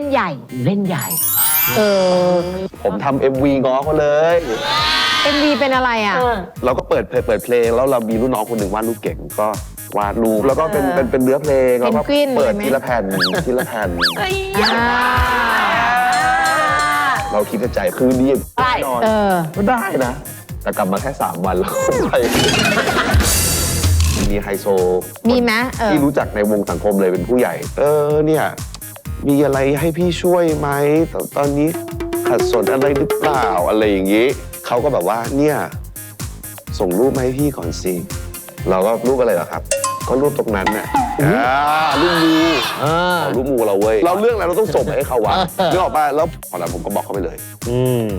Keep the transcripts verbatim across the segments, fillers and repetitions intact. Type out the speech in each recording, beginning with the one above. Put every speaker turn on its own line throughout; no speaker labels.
ใหญ่
เล่นใหญ่
เออ
ผมทำ เอ็ม วี ง้อเขาเลย
เอ็ม วี เป็นอะไรอ่ะ
เราก็เปิดเปิดเพลงแล้วเรามีรุ่นน้องคนหนึ่งวาดรูปเก่งก็วาดรูปแล้วก็เป็นเป็นเป็นเนื้อเพลงแล้วก็เปิดทีละแผ่นทีละแผ่นเราคิดในใจคือดีแน่นอนก็ได้นะแต่กลับมาแค่สามวันแล้วไปมีไฮโซ
มีไหม
ที่รู้จักในวงสังคมเลยเป็นผู้ใหญ่เออเนี่ยมีอะไรให้พี่ช่วยไหมตอนนี้ขัดสนอะไรหรือเปล่าอะไรอย่างนี้เขาก็แบบว่าเนี่ยส่งรูปมาให้พี่ก่อนสิเราก็รูปอะไรเหรอครับก็รูปตรงนั้นน่ะรูปมูรูปมูเราเว้ยเราเรื่องอะไรเราต้องส่งให้เขาวะนึกออกป่ะแล้วพอแล้วผมก็บอกเขาไปเลยอืม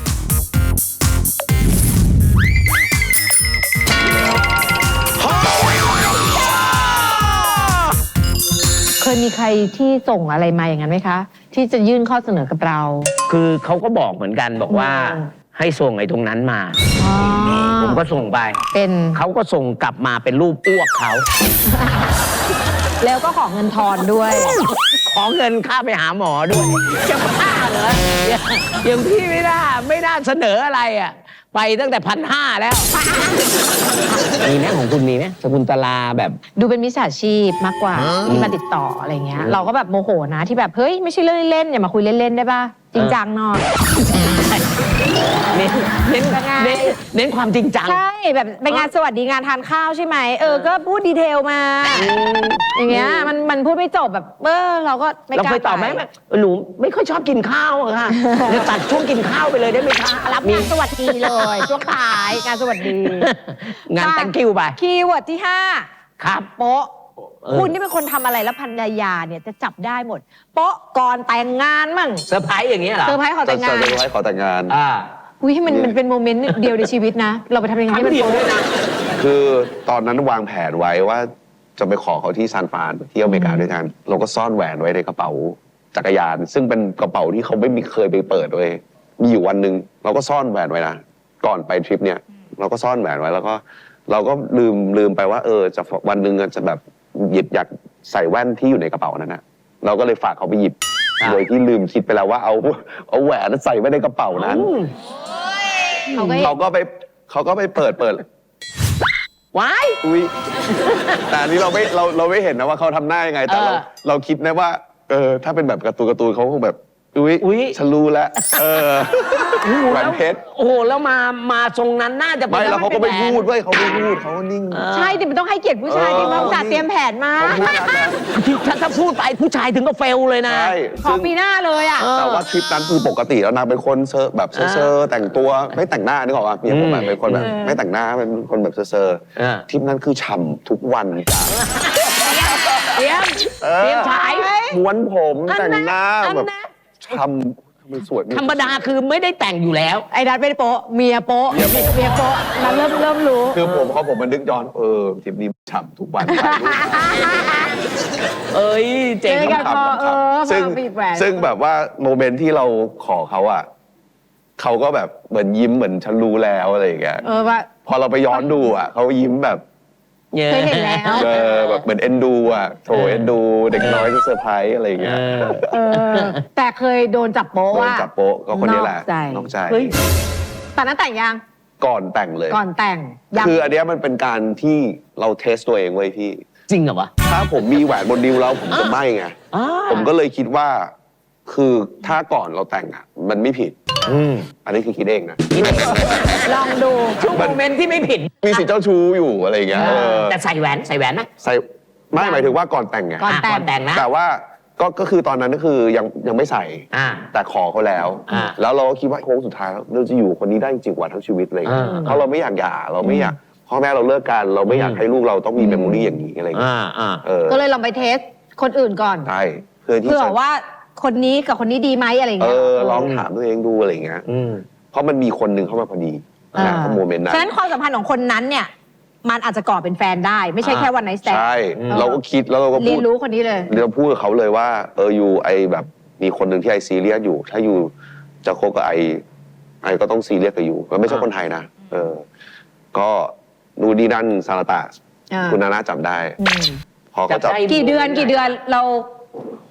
เคยมีใครที่ส่งอะไรมาอย่างนั้นไหมคะที่จะยื่นข้อเสนอกับเรา
คือเขาก็บอกเหมือนกันบอกว่าให้ส่งไอ้ตรงนั้นมาผมก็ส่งไป
เป็น
เขาก็ส่งกลับมาเป็นรูปอ้วกเขา
แล้วก็ขอเงินทอนด้วย
ขอเงินค่าไปหาหมอด้วยจะบ้าเหรออย่างพี่ไม่น่าไม่น่าเสนออะไรอ่ะไปตั้งแต่พันห้าแล้วมีไหมของคุณมีไหมสกุลตลาแบบ
ดูเป็นมิจฉาชีพมากกว่าที่มาติดต่ออะไรเงี้ยเราก็แบบโมโหนะที่แบบเฮ้ยไม่ใช่เรื่องเล่นอย่ามาคุยเล่นๆได้ป่ะจริงจังหน่อย
เน้นเน้นเน้นเน้นความจริงจัง
ใช่แบบไปงานสวัสดีงานทานข้าวใช่ไหมเออก็พูดดีเทลมาอย่างเงี้ยมันมันพูดไม่จบแบบเออเราก็ไม่กล้า
เราเคยตอบไหมหนูไม่ค่อยชอบกินข้าวอะค่ะจะตัดช่วงกินข้าวไปเลยได้ไหมคะ
รับงานสวัสดีเลยช่วงท้ายงานสวัสดี
งาน thank you ไป
คีย์เวิร์ดที่ห้า
ครับ
โป๊ะคุณนี่เป็นคนทำอะไรแล้วภรรยาเนี่ยจะจับได้หมดโป๊ะก่อนแต่งงานมั่ง
เซอร์ไพรส์อย่างเงี้ยเหรอ
เซอร์ไพรส์ขอแต่งงาน
เซอร์ไพรส์ขอแต่งงาน
อ่า
อุ้ยให้มันมันเป็นโมเมนต์เดียวในชีวิตนะเราไปทำยังไงให้มันโป๊ะด้วยนะ
คือตอนนั้นวางแผนไว้ว่าจะไปขอเขาที่ซานฟรานที่อเมริกาด้วยกันเราก็ซ่อนแหวนไว้ในกระเป๋าจักรยานซึ่งเป็นกระเป๋าที่เขาไม่มีเคยไปเปิดเลยมีอยู่วันหนึ่งเราก็ซ่อนแหวนไว้นะก่อนไปทริปเนี่ยเราก็ซ่อนแหวนไว้แล้วก็เราก็ลืมลืมไปว่าเออจะวันหนึ่งจะแบบหยิบอยากใส่แว่นที่อยู่ในกระเป๋านั้นนะเราก็เลยฝากเขาไปหยิบโดยที่ลืมคิดไปแล้วว่าเอาเอาแหวนใส่ไว้ในกระเป๋านั้นเขาก็ไปเขาก็ไปเปิดเปิด
ว้าย
อุ้ยแต่อันนี้เราไม่เราเราไม่เห็นนะว่าเขาทำหน้ายังไงแต่เราเราคิดนะว่าเออถ้าเป็นแบบการ์ตูนการ์ตูนเขาคงแบบอุ้ยฉันรู้แล้วเออแหวนเพชร
โอ้โหแล้วมามาทรงนั้นน่าจะ
ไม่แล้วเขาก็ไม่พูดเว้ยเขาไม่พูดเขาก็นิ่ง
ใช่แต่มันต้องให้เกียรติผู้ชายที่มาจัดเตรียมแผนมา
ถ้าถ้าพูดไปผู้ชายถึงก็เฟลเลยนะ
ขอปีหน้าเลยอ่ะ
แต่ว่าทริปนั้นคือปกติแล้วนางเป็นคนเซอร์แบบเซอร์แต่งตัวไม่แต่งหน้านึกออกป่ะเมียผมเป็นคนแบบไม่แต่งหน้าเป็นคนแบบเซอร์ทริปนั้นคือฉ่ำทุกวันจ้ะ
เตรียมเตรียมฉาย
ม้วนผมแต่งหน้าแบบฉ่ำ
ธรรมดาคือไม่ได้แต่งอยู่แล้ว
ไอ้นัทไม่ได้โป๊ะเมียโป๊ะเมียโป๊ะนัทเริ่มเริ่มรู้
คือผมเขาผมมันนึกย้อนเออทริปนี้ฉ่ำทุกวัน
เอ้ยเจ๋ง
กันพอเออ
ซึ่งซึ่งแบบว่าโมเมนต์ที่เราขอเขาอ่ะเขาก็แบบเหมือนยิ้มเหมือนฉันรู้แล้วอะไรอย่างเงี้ย
เออว่า
พอเราไปย้อนดูอ่ะเขายิ้มแบบ
เคยเห็นแล้ว
เออแบบเหมือนเอ็นดูอ่ะโถเอ็นดูเด็กน้อยที่เซอร์ไพรส์อะไรอย่างเงี้ย
แต่เคยโดนจับโป๊ะว่า
โดนจับโป๊ะก็คนนี้แหละน้องใจ
ตอนนั้นแต่งยัง
ก่อนแต่งเลย
ก่อนแต่ง
คืออันนี้มันเป็นการที่เราเทสตัวเองไว้พี่
จริงเหรอวะ
ถ้าผมมีแหวนบนนิ้วแล้วผมจะไม่ไงผมก็เลยคิดว่าคือถ้าก่อนเราแต่งอ่ะมันไม่ผิดอันนี้คือคิดเองนะ
ลองดู
ช่วงโมเมนต์ที่ไม่ผิด
มีสิทธิ์เจ้าชู้อยู่อะไรอย่างเงี้ย
แต่ใส่แหวนใส่แหวนนะ
ใส่ไม่หมายถึงว่าก่อนแต่งไง
ก่อนแต่งนะ
แต่ว่าก็ก็คือตอนนั้นก็คือยังยังไม่ใส่แต่ขอเขาแล้วแล้วเราก็คิดว่าโค้งสุดท้ายเราจะอยู่คนนี้ได้จริงๆวันทั้งชีวิตเลยเพราะเราไม่อยากหย่าเราไม่อยากพ่อแม่เราเลิกกันเราไม่อยากให้ลูกเราต้องมีเมมโมรี่อย่างนี้อะไรอย่างเงี้ย
ก็เลยลองไปเทสคนอื่นก่อน
ใช่เพื่อที่
จะว่าคนนี้กับคนนี้ดีไหมอะไรเงี้
ยเออลองถามตัวเองดูอะไรเงี้ยเพราะมันมีคนหนึ่งเข้ามาพอดีนะโมเมนต์นั้น
ฉะนั้นความสัมพันธ์ของคนนั้นเนี่ยมันอาจจะก่อเป็นแฟนได้ไม่ใช่แค่วันไนท์สแตนด์
ใช่เราก็คิดแล้วเราก็
เรียนรู้คนนี้เลย
เราพูดกับเขาเลยว่าเอออยู่ไอแบบมีคนหนึ่งที่ไอซีเรียสอยู่ถ้าอยู่จะคบกับไอไอก็ต้องซีเรียสกับอยู่มันไม่ใช่คนไทยนะเออก็ดูดีนั่นซาลาตาคุณนาน่าจับได้พอเขาจับ
กี่เดือนกี่เดือนเรา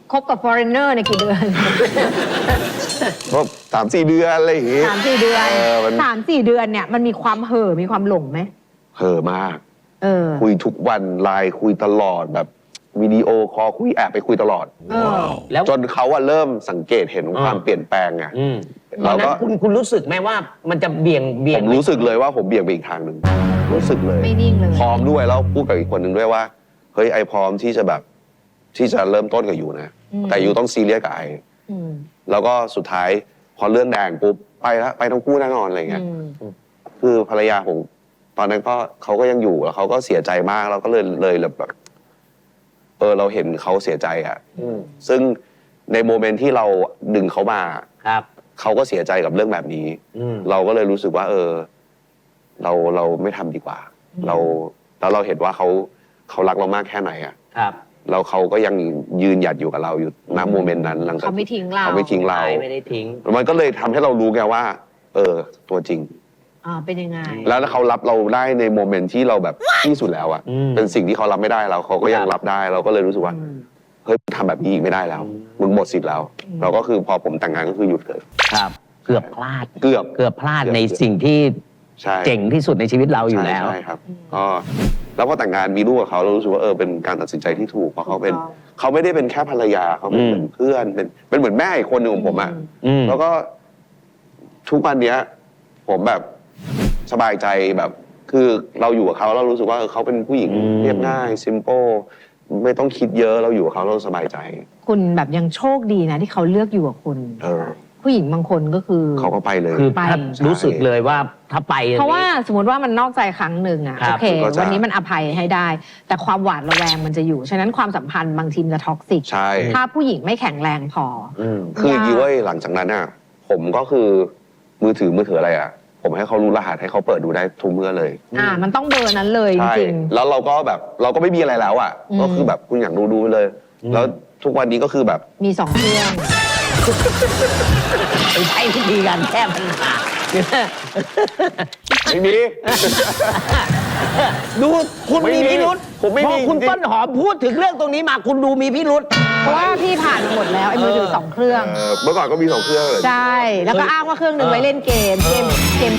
คบกับ foreigner ในยกี่เดือน
ก็สามสี่เดือนอะไรอย่างงี้
สามสี่เดือน
เออมัน
สามสี่เดือนเนี่ยมันมีความเห่อมีความหลงไหม
เห่อะมาก
เออ
คุยทุกวันไลน์คุยตลอดแบบวิดีโอคอลคุยแอบไปคุยตลอด
เออ
แล้ว
จนเขาอะเริ่มสังเกตเห็นความ
อ่า
เปลี่ยนแปลงไง
อืมตอ
เรา
นนั้
ก็
นคุณคุณรู้สึกไหมว่ามันจะเบี่ยงเบี่
ผ
ยง
มรู้สึกเลยว่าผมเบี่ยงไปอีกทางหนึ่งรู้สึกเลย
ไม่นิ่งเลย
พร้อมด้วยแล้วพูดกับอีกคนหนึ่งด้วยว่าเฮ้ยไอพร้อมที่จะแบบที่จะเริ่มต้นกับอยู่นะ
อืม
แต่อยู่ต้องซีเรียสกับไอ
อืม
แล้วก็สุดท้ายพอเรื่องแดงปุ๊บไปแล้วไปทั้งคู่แน่นอนอะไรเงี้ย
อืม
คือภรรยาผมตอนนั้นก็เขาก็ยังอยู่แล้วเขาก็เสียใจมากแล้วก็เลยเลยแบบเออเราเห็นเขาเสียใจอ่ะ
อืม
ซึ่งในโมเมนต์ที่เราดึงเขามา
ครับ
เขาก็เสียใจกับเรื่องแบบนี้
อืม
เราก็เลยรู้สึกว่า เออ เราเราไม่ทำดีกว่า เราแล้วเราเห็นว่าเขาเขารักเรามากแค่ไหนอ่ะ
ครับ
แล้วเขาก็ยังยืนหยัดอยู่กับเราอยู่ณโมเมนต์นั้นหลังจาก
เขาไม่ทิ้งเรา
เขาไม่ทิ้งเรา
ไม่ได้ทิ้ง
มันก็เลยทำให้เรารู้ไงว่า เออ ตัวจริง
อ่าเป็นยังไง
แล้วเขารับเราได้ในโมเมนต์ที่เราแบบที่สุดแล้วอะ
อืม
เป็นสิ่งที่เขารับไม่ได้เราเขาก็ยังรับได้ เราก็เลยรู้สึกว่า
อืม
เฮ้ยทำแบบนี้อีกไม่ได้แล้ว มึงหมดสิทธิ์แล้ว เราก็คือพอผมแต่งงานก็คือหยุดเลย
ครับ เกือบพลาด
เกือบ
เกือบพลาด
เกือบ
ในสิ่งที่
ใช่
เจ๋งที่สุดในชีวิตเราอยู่
ใช่
แล้ว
ใช่ครับก็แล้วพอแต่งงานมีลูกกับเขาเรารู้สึกว่าเออเป็นการตัดสินใจที่ถูกเพราะเขาเป็น
ถูกต้อง
เขาไม่ได้เป็นแค่ภรรยาเขาเป็น
อืม
เหมือนเพื่อนเป็นเป็นเหมือนแม่อีกคนหนึ่งของผมอะ
อืม
แล้วก็ทุกวันเนี้ย ผมแบบสบายใจแบบ คือเราอยู่กับเขาเรารู้สึกว่าเออเขาเป็นผู้หญิง
อืม
เรียบง่ายซิม p ป e ไม่ต้องคิดเยอะเราอยู่กับเขาเราสบายใจ
คุณแบบยังโชคดีนะที่เขาเลือกอยู่กับคุณ
เออ
ผู้หญิงบางคนก็คือ
เขาก็ไปเลย
คือ
ไป
ถ้ารู้สึกเลยว่าถ้าไปอย่งนี้
เพราะว่าสมมติว่ามันนอกใจครั้งหนึ่งอะ
ครั
โอบ เค
ก็จะ
วันนี้มันอภัยให้ได้ แต่ความหวาดระแวงมันจะอยู่ ฉะนั้นความสัมพันธ์บางทีมนจะท็อกซิก
ใช่
ถ้าผู้หญิงไม่แข็งแรงพอ
อืม
คืออย่างนี้เว้ยหลังจากนั้นอ่ะ ผมก็คือมือถือมือถืออะไรอ่ะ ผมให้เขารู้รหัสให้เขาเปิดดูได้ทุกเมื่อเลย
อ่า มันต้องเบอร์นั้นเลยจ
ใช่
ริง
แล้วเราก็แบบเราก็ไม่มีอะไรแล้วอ่ะ
อืม
ก็คือแบบคุณอยากดูดูไปเลย
อืม
แล้วทุกวันนี้ก็คือแบบ
ๆมีสองเครื่อง
ไปใช้วิธีการแก้ปัญหา
ไม่มี
ดูคุณ
ไม่
มี
มี
พิรุษ
ผมไม่มี
พอคุณ
จริงๆ
ต้นหอมพูดถึงเรื่องตรงนี้มาคุณดูมีพิรุษ
เพราะว่าพี่ผ่านมาหมดแล้วไอ้มือถือสองเครื่อง
เออเมื่อก่อนก็มีสองเครื่องเลย
ใช่ แล้วก็อ้างว่าเครื่องหนึ่งไว้เล่นเกม เกม เกม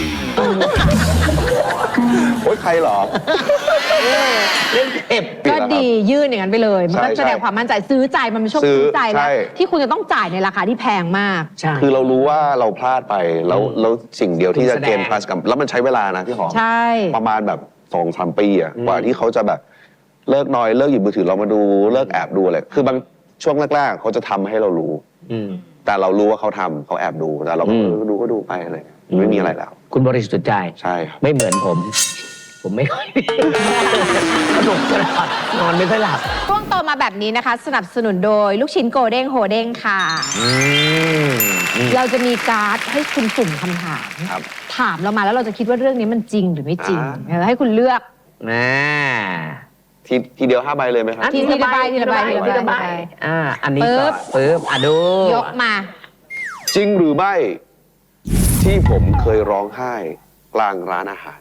โอ๊ยใครเหรอ
เล่นเก็บ
ปิด
ก็
แล้วครับ
ดียื่นอย่างนั้นไปเลย มันก็
ใช่
แสดงความมั่นใจซื้อใจมันเป็นช่วง
ซื้อ
ซื้อใจแล้ว
ใช่
ที่คุณจะต้องจ่ายในราคาที่แพงมาก
ใช่
คือเรารู้ว่าเราพลาดไปแล้ว
อืม
แล้วสิ่งเดียวที่จะ
คุณแสดง
เกณฑ์ plus กับแล้วมันใช้เวลานะพี่หอม
ใช่
ประมาณแบบสองสามปีอะ
อืม
กว่าที่เขาจะแบบเลิกนอยเลิกหยิบมือถือเรามาดูเลิกแอบดูอะไรคือบางช่วงแรกๆเขาจะทำให้เรารู้
อืม
แต่เรารู้ว่าเขาทำเขาแอบดูแต่เราก็
อืม
เออดูก็ดูไปอะไรเงี้ยไม่มีอะไรแล้ว
คุณบริสุทธิ์ใจ
ใช่ครับ
ไม่เหมือนผม ผมไม่ค่อย สนุกตลอดนอนไม่ค่อยหลับ
ช่วงโตมาแบบนี้นะคะ สนับสนุนโดยลูกชิ้นโกเด้งโฮเด้งค่ะ
อืมอืม
เราจะมีการ์ดให้คุณสุ่มคำถาม
ครับ
ถามเรามาแล้วเราจะคิดว่าเรื่องนี้มันจริงหรือไม่จริง
อ่า
เออให้คุณเลือก
น่า
ทีทีเดียวห้าใบเลยไหมครับ
ทีทีละใบทีละใบทีละใบ
ทีละใบอ่า อันนี้
ปึ๊
ก็
บ
ปึ๊บอ่ะดู
ยกมา
จริงหรือไม่ที่ผมเคยร้องไห้กลางร้านอาหาร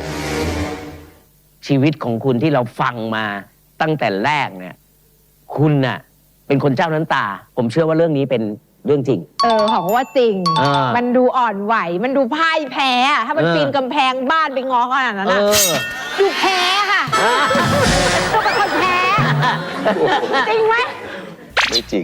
ชีวิตของคุณที่เราฟังมาตั้งแต่แรกเนี่ย คุณน่ะ เป็นคนเจ้าน้ำตา ผมเชื่อว่าเรื่องนี้เป็นเรื่องจริง
เออของว่าจริง
อ่ามั
มันดูอ่อนไหว มันดูพ่ายแพ้อะถ้ามัน
เออ
ปีนกำแพงบ้านไปง้อขนาดนั้น
เอ
อะ
อ
ดูแพ้ค่ะดูเป็นคนแพ้ จริงไหม
ไม่จริง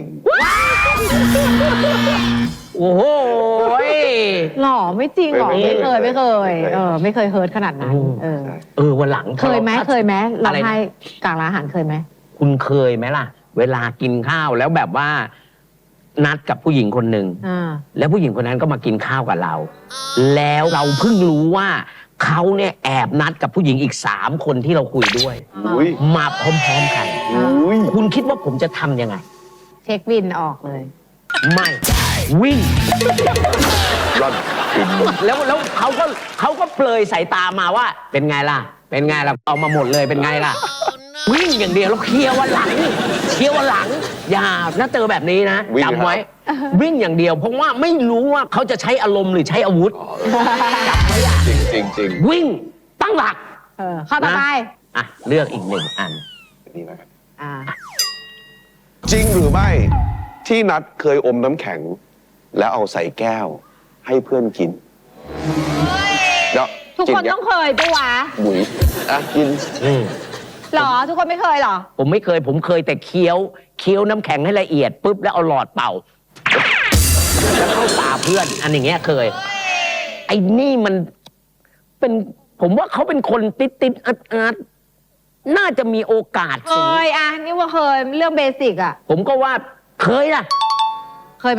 โอ้โหย
หล่อไม่จริงหรอ
ไม่
ไม่
ไม่
เคย
ไม่
ไม่เคย
ไม่เคย
เออไม่เคยเฮิร์ตขนาดนั้น
อืม
เออ
ใช่
เออวันหลัง
เคยไหมเคยไหมเรา
อะไรนะ
ให้กลางร้านอาหารเคยไหม
คุณเคยไหมล่ะ เวลากินข้าวแล้วแบบว่า นัดกับผู้หญิงคนหนึ่ง
อ่า
แล้วผู้หญิงคนนั้นก็มากินข้าวกับเรา แล้วเราเพิ่งรู้ว่าเขาเนี่ยแอบนัดกับผู้หญิงอีกสามคนที่เราคุยด้วย
อุ้ย
มาพร้อมๆกัน
อุ้ย
คุณคิดว่าผมจะทำยังไง
เช็คบินออกเลย
ไม่วิ่ง
ร่อนกิน
แล้วแล้วเขาก็เขาก็เปลยสายตามาว่า เป็นไงล่ะ เป็นไงล่ะเอามาหมดเลยเป็นไงล่ะ วิ่งอย่างเดียวแล้วเคลียร์วันหลังเคลียร์วันหลัง อย่าถ้าเจอแบบนี้นะจำไว้ วิ่งอย่างเดียว เพราะว่าไม่รู้ว่าเขาจะใช้อารมณ์หรือใช้อาวุธจำไว้อะ
จริงจริงจริง
วิ่งตั้งหลัก
เออเข้าต่อไป
อ่ะเลือกอีกหนึ่งอัน
นี่นะครับ
อ่า
จริงหรือไม่ที่นัดเคยอมน้ำแข็ง แล้วเอาใส่แก้ว ให้เพื่อนกินเดี๋ยว
ทุกคนต้องเคยปะวะ
บุ๋ยอ่ะกิน
อืม
หรอทุกคนไม่เคยหรอ
ผมไม่เคย ผมเคยแต่เคี้ยวเคี้ยวน้ำแข็งให้ละเอียดปุ๊บแล้วเอาหลอดเป่า แล้วเข้าปากเพื่อน อันอย่างเงี้ยเคย ไอ้นี่มันเป็น ผมว่าเขาเป็นคนติดติดอัดอัดน่าจะมีโอกาส
เคยอ่ะนี่ว่าเคยเรื่องเบสิกอ่ะ
ผมก็ว่าเคยล่ะ
เคยไหม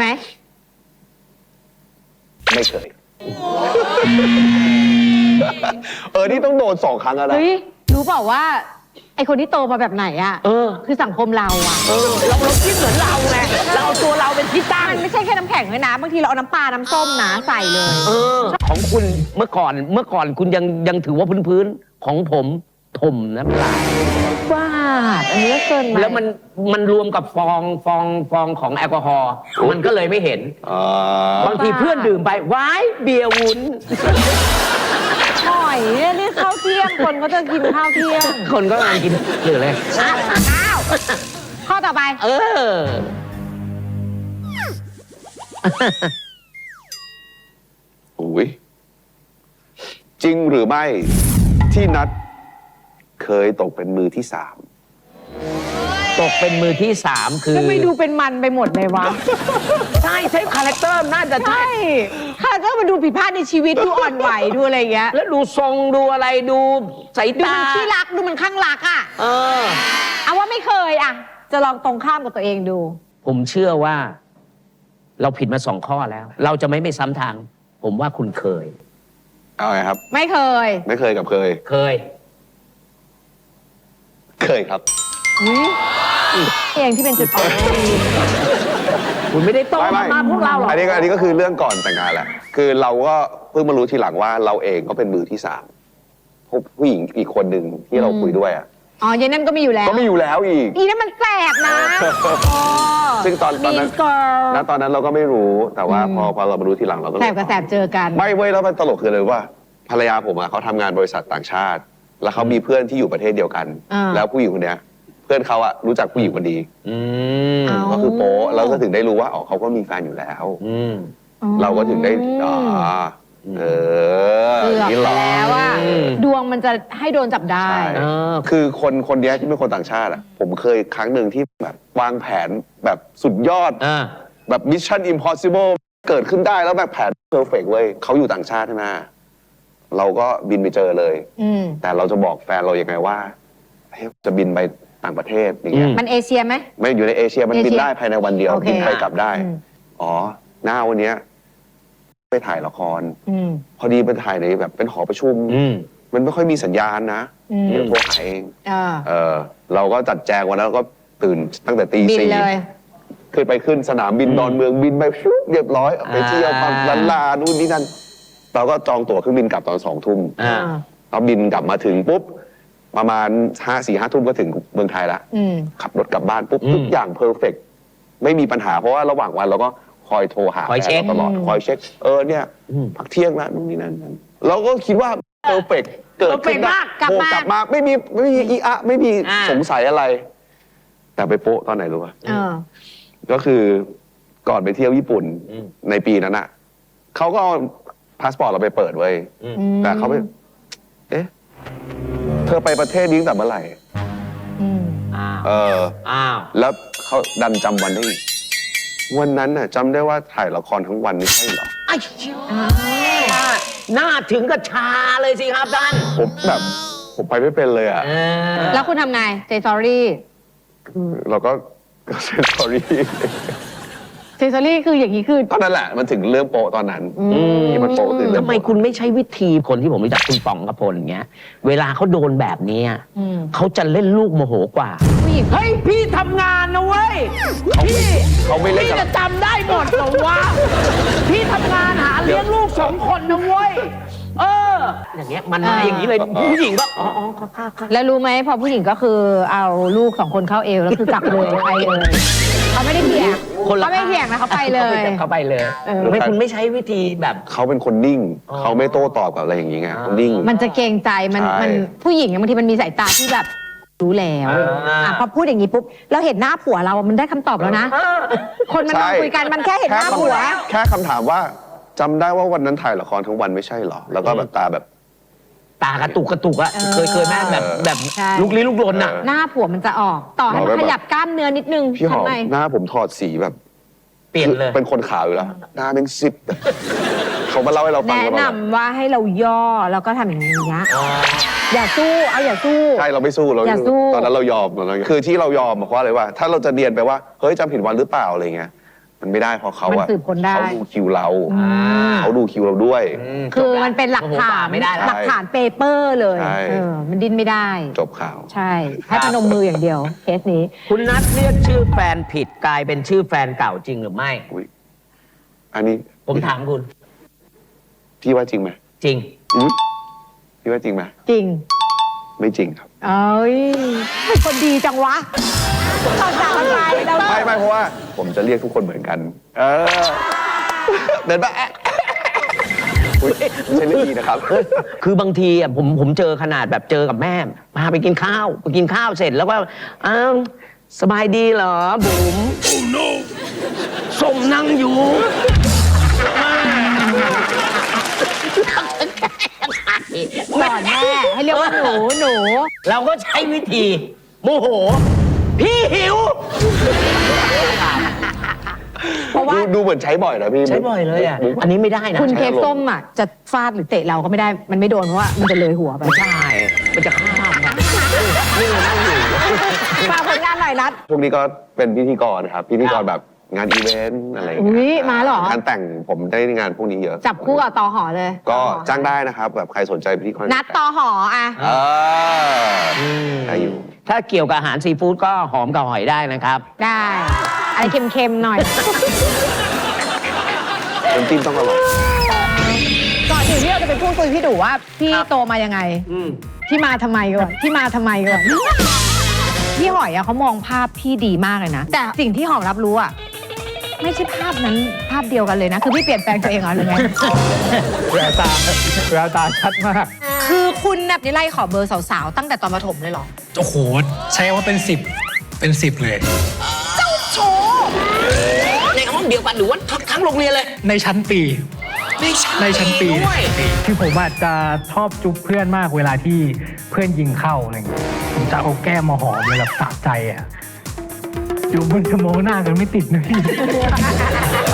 ไม่เคย เออ นี่ต้องโดนสองครั้งแล้วนะ
เฮ้ยรู้เปล่าว่า ไอคนที่โตมาแบบไหนอ่ะ
เออ
คือสังคมเราอ่ะ
เออเราเราคิดเหมือนเราไงเราเอาตัวเราเป็นที่ตั้ง
มันไม่ใช่แค่น้ำแข็งเลยนะบางทีเราเอาน้ำปลาน้ำส้มนะใส่เลย
เออ ของคุณเมื่อก่อนเมื่อก่อนคุณยังยังถือว่าพื้นๆของผมถมน้ำลาย
บ้าอันนี้ก็เกินไป
แล้วมันมันรวมกับฟองฟองฟองของแอลกอฮอล์มันก็เลยไม่เห็น
อ่า
บางทีเพื่อนดื่มไปว้ายเบียร์วุ้น
หอยเนี่ยนี่ข้าวเที่ยงคนก็จะกินข้าวเที่ยง
คนก็กำลังกินหรืออะไร
อ้าวข้อต่อไป
เออ
อุ้ยจริงหรือไม่ที่นัดเคยตกเป็นมือที่สาม
ตกเป็นมือที่สามคือ
ทำไมดูเป็นมันไปหมดเลยวะ
ใช่ใช่คาแรคเตอร์น่าจะใช่
ใช่ค่ะก็มันดูผิดพลาดในชีวิตดูอ่อนไหวดูอะไรอย่างเงี้ย
แล้วดูทรงดูอะไรดูสาย
ดู
ตา
มันขี้รักดูมันข้างรักอ่ะ
เออ
เอาว่าไม่เคยอ่ะ จะลองตรงข้ามกับตัวเองดู
ผมเชื่อว่า เราผิดมาสองข้อแล้ว เราจะไม่ไม่ซ้ำทาง ผมว่าคุณเคย
เอาไงครับ
ไม่เคย
ไม่เคยกับเคย
เคย
เคยครับ
เองที่เป็นจุดอ่อน
คุณไม่ได้โต
ไม่
มา
ไม่
มาพวกเราหรอก
อันนี้ก็อันนี้ก็คือเรื่องก่อนแต่งงานแหละ คือเราก็เพิ่งมารู้ทีหลังว่าเราเองก็เป็นมือที่สามพวกผู้หญิงอีกคนหนึ่งที่เราคุยด้วยอ่ะ
อ๋อเย็นนั่นก็มีอยู่แล้ว
ก็ไม่อยู่แล้วอีก
อีนั่นมันแสบนะ
ซึ่งตอนตอนนั้น
มีสกอร์
ณตอนนั้นเราก็ไม่รู้ แต่ว่าพอพอเรามารู้ทีหลังเราก็
แสบกับแสบเจอกัน
ไม่เว้ยแล้วมันตลกคือเลยว่า ภรรยาผมอ่ะเขาทำงานบริษัทต่างชาติ แล้วเขามีเพื่อนที่อยู่ประเทศเดียวกัน
อ่า
แล้วผู้หญิงคนเนี้ย เพื่อนเขาอ่ะรู้จักผู้หญิงคนดี
อืม
เอา
ก็คือโป๊ะแล้วก็ถึงได้รู้ว่าอ๋อเขาก็มีแฟนอยู่แล้ว
อืม
เราก็ถึงได้อ๋อเออ
เกือบ
นี่หรอ
แล้วว่า
อืม
ดวงมันจะให้โดนจับได้
ใช่
เออ
คือคนคนเนี้ยที่เป็นคนต่างชาติอ่ะ ผมเคยครั้งหนึ่งที่แบบวางแผนแบบสุดยอด
อ่า
แบบ Mission Impossible เกิดขึ้นได้แล้วแบบแผนเพอร์เฟกต์เว้ยเขาอยู่ต่างชาติใช่ไหมเราก็บินไปเจอเลย
อืม
แต่เราจะบอกแฟนเรายังไงว่าเฮ้ยจะบินไปต่างประเทศอย่างเงี้ย
อืม
มันเอเชียไหม
ไม่อยู่ในเอเชียมัน
เอเชีย
บินได้ภายในวันเดียว
โอเค
บินไปกลับได้
อืม
อ๋อ หน้าวันเนี้ยไปถ่ายละคร
อืม
พอดีไปถ่ายในแบบเป็นหอประชุม
อืม
มันไม่ค่อยมีสัญญาณนะ
อืม
เดี๋ยวโทรหาเอง
อ่า
เออ เราก็จัดแจงวันนั้นก็ตื่นตั้งแต่ตี
บิน
สี่
เลย
ขึ้นไปขึ้นสนามบินดอนเมืองบินไปฟิวเรียบร้อยไปเที่ยวปั๊มลันลานู่นนี่นั่นเราก็จองตั๋วเครื่องบินกลับตอนสองทุ่ม
อ่า
เราบินกลับมาถึงปุ๊บประมาณห้าสี่ห้าทุ่มก็ถึงเมืองไทยละ
อืม
ขับรถกลับบ้านปุ๊บ
อืม
ทุกอย่างเพอร์เฟกไม่มีปัญหาเพราะว่าระหว่างวันเราก็คอยโทรหา
คอย
แฟ
เช็
น
ค
เราตลอดคอยเช็ค เออเนี่ย
อืม
พักเที่ยงแล้วนู่นนี่นั่นนั่นเราก็คิดว่าเพอร์เฟกเกิดขึ้น
perfect มาก
กลับ
โทร
มา
กลับมาไม่มีไม่มีอีอะไม่มี
อ่า
สงสัยอะไร แต่ไปโป๊ะตอนไหนรู้ป่ะ
เออ
ก็คือก่อนไปเที่ยวญี่ปุ่น
อืม
ในปีนั้นอ่ะเขาก็เอาพาสปอร์ตเราไปเปิดไว้ย
อืม
แต่เขาไปเอ๊ะเธอไปประเทศนี้ตั้งแต่เมื่อไหร่
อืม
อ้าว
เออ
อ้าว
แล้วเขาดันจำวันได้อีกวันนั้นน่ะจำได้ว่าถ่ายละครทั้งวันนี่ใช่เหรอ
ไอ้เชี่ยหน้าถึงกับชาเลยสิครับท่าน
ผมแบบผมไปไม่เป็นเลยอ่ะ
เออ
แล้วคุณทำไงเจสอรี่
เราก็ก็เซนสอรี่
เจสอรี่คืออย่างนี้คือ
ก็นั่นแหละ มันถึงเรื่องโปะตอนนั้น
อืม
ที่มันโปะคือเรื่อง
ทำไม
โปะ
คุณไม่ใช้วิธีคนที่ผมรู้จักคุณป๋องกระพลอย่างเงี้ย เวลาเขาโดนแบบเนี้ย
อืม
เขาจะเล่นลูกโมโหกว่า
ผู้หญิง
เฮ้ย พี่ทำงานนะเว้ย พี่
เขาไม่เล่น
พี่
กับ
จะจำได้หมดเหรอวะ พี่ทำงานหาเลี้ยงลูกสองคนนะเว้ย เออ อย่างเงี้ยมันมาอย่างนี้เลย ผู้หญิงก็ อ๋ออ๋อค่ะค่ะค่ะ
แล้วรู้ไหมพอผู้หญิงก็คือเอาลูกสองคนเข้าเอวแล้วคือกลับเลยไปเลยเขาไม่ได้เถียง
คนละ
เขาไม่เถียงนะเขาไปเลย
เขาไปเลย
เออ
ทำไมคุณไม่ใช้วิธีแบบ
เขาเป็นคนนิ่ง
อ๋อ
เขาไม่โต้ตอบกับอะไรอย่างงี้ไงเขานิ่ง
มันจะเกรงใจมัน
ใช่
มันผู้หญิงอะบางทีมันมีสายตาที่แบบรู้แล้ว
อ่า
อ่ะพอพูดอย่างนี้ปุ๊บเราเห็นหน้าผัวเรามันได้คำตอบแล้วนะ คนมันมาคุยกันมันแค่เห็นหน้าผัว
แค่คำถามว่าจำได้ว่าวันนั้นถ่ายละครทั้งวันไม่ใช่เหรอ แล้วก็แบบตาแบบ
ตากระตุกกระตุกอะ
เออ
เคยเคยแม่แบบแบบ
ใช่
ลุกลี้ลุกลนอะ
เออ
หน้าผัวมันจะออก ต่อให้มันขยับกล้ามเนื้อนิดนึง
พี่หอม
ทำไม
หน้าผมถอดสีแบบ
เปลี่ยนเลย
เป็นคนขาวอยู่แล้ว หน้าเป็นซิดเขามาเล่าให้เราฟัง
แนะ
ว่าแบบ
นำว่าให้เราย่อแล้วก็ทำอย่างนี้ยอย่าสู้เอาอย่าสู้
ใช่เราไม่สู้เรา
อย่าสู้
ตอนนั้นเรายอมเรายอมคือที่เรายอมเพราะอะไรว่า ถ้าเราจะเรียนไปว่าเฮ้ยจำผิดวันหรือเปล่าอะไรเงี้ยมันไม่ได้เพราะเขา
มัน
อะ
สืบค้นได้
เขาดูคิวเรา
อ่า
เขาดูคิวเราด้วย
ม
คือมันเป็นหลัก
โอ้โ
ฐาน
ไม่ได้แล้ว
หลักฐานเปเปอร์เลย
ใช่
เออมันดิ้นไม่ได้
จบข่าว
ใช่ ให้พนมมืออย่างเดียวเคสนี้
คุณนัทเรียกชื่อแฟนผิดกลายเป็นชื่อแฟนเก่าจริงหรือไม่
อุ๊ยอันนี้
ผมถามคุณ
พี่ว่าจริงไหม
จริง
อุ๊ยพี่ว่าจริงไหม
จริง
ไม่จริงครับ
เอ้ยเป็นคนดีจังวะตอนจากกันไปเรา
ไม่ไม่เพราะว่าผมจะเรียกทุกคนเหมือนกัน เออ เดินมาแอะอุ๊ยไม่ใช่เรื่องดีนะครับ
คือบางทีอ่ะผมผมเจอขนาดแบบเจอกับแม่พาไปกินข้าวไปกินข้าวเสร็จแล้วก็อ้าวสบายดีเหรอบุ๋ม oh no ส้มนั่งอยู่
สอนแม่ให้เรียกว่าหนูหนู
เราก็ใช้วิธีโมโห พี่หิว
เพราะว่า
ดูดูเหมือนใช้บ่อยนะพี่
ใช้บ่อยเลยอ่ะ
มุก
อันนี้ไม่ได้นะ
คุณ
ใช้
เค้ก
อารมณ์
ส้มอ่ะจะฟาดหรือเตะเราก็ไม่ได้มันไม่โดนเพราะว่ามันจะเลยหัวไป
ไม่ใช่ มันจะข้ามอ่ะนี่นั่งอยู่
ฝากผลงานหน่อยนัด
พวกนี้ก็เป็นพิธีกรครับ พิธีกรแบบงานอีเวนต์อะไรอย่าง
อุ๊
เงี้
ย
ย
มาเหรอ
งานแต่งผมได้งานพวกนี้เยอะ
จับคู่กับตอหอเลย
ก็จ้างได้นะครับแบบใครสนใจพิธีกร
นัดตอหออ่ะ
เออได้อยู่
ถ้าเกี่ยวกับอาหารซีฟู้ดก็หอมกับหอยได้นะครับ
ได้อะไรเค็มๆหน่อย
น้ำจิ้มต้องอร่อย
ก่อนอื่นที่เราจะไปพูดคุยพี่ดูว่าพี่โตมายังไง
อืม
พี่มาทำไมก่อนพี่มาทำไมก่อนพี่หอยอะเขามองภาพพี่ดีมากเลยนะ แต่สิ่งที่หอมรับรู้อะไม่ใช่ภาพนั้นภาพเดียวกันเลยนะ คือพี่เปลี่ยนแปลงตัวเองเหรอหรือไง
แววตาแววตาชัดมาก
คือคุณแบบนี่ไล่ขอเบอร์สาวๆตั้งแต่ตอนประถมเลยเหรอ
โอ้โห ใช้คำว่าเป็นสิบเป็นสิบเลย
โชว์
ในห้องเดียวกันหรือว่าทั้งทั้งโรงเรียนเลย
ในชั้นปี
ในชั้น
ในชั้นปี
ด้วย
คือผมอาจจะชอบจุ๊บเพื่อนมากเวลาที่เพื่อนยิงเข้าอะไรอย่างเงี้ยผมจะเอาแก้มมาหอมเลยแบบสะใจอ่ะอยู่บนสโมหน้ากันไม่ติดนะพี่